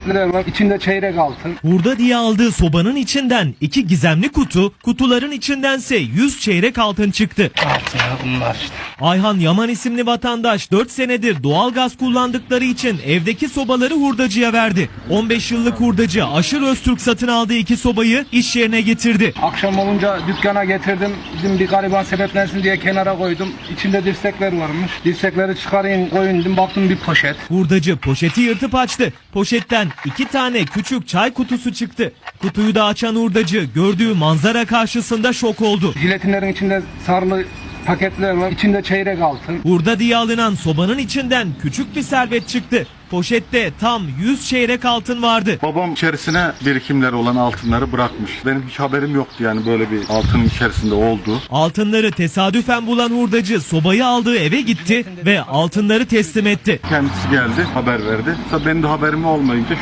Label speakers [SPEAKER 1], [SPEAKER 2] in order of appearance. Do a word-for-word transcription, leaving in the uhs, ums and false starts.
[SPEAKER 1] Var. İçinde çeyrek altın.
[SPEAKER 2] Hurda diye aldığı sobanın içinden iki gizemli kutu, kutuların içindense yüz çeyrek altın çıktı.
[SPEAKER 1] Altın bunlar işte.
[SPEAKER 2] Ayhan Yaman isimli vatandaş dört senedir doğalgaz kullandıkları için evdeki sobaları hurdacıya verdi. on beş yıllık hurdacı Aşır Öztürk satın aldığı iki sobayı iş yerine getirdi.
[SPEAKER 1] Akşam olunca dükkana getirdim. Dedim bir gariban sebeplensin diye kenara koydum. İçinde dirsekler varmış. Dirsekleri çıkarayım koyun dedim. Baktım bir poşet.
[SPEAKER 2] Hurdacı poşeti yırtıp açtı. Poşetten iki tane küçük çay kutusu çıktı. Kutuyu da açan hurdacı gördüğü manzara karşısında şok oldu.
[SPEAKER 1] Jiletinlerin içinde sarılı paketler var. İçinde çeyrek altın.
[SPEAKER 2] Hurda diye alınan sobanın içinden küçük bir servet çıktı. Poşette tam yüz çeyrek altın vardı.
[SPEAKER 3] Babam içerisine birikimleri olan altınları bırakmış. Benim hiç haberim yoktu yani böyle bir altının içerisinde olduğu.
[SPEAKER 2] Altınları tesadüfen bulan hurdacı sobayı aldığı eve gitti ve altınları teslim etti.
[SPEAKER 3] Kendisi geldi, haber verdi. Tabii benim de haberim olmayınca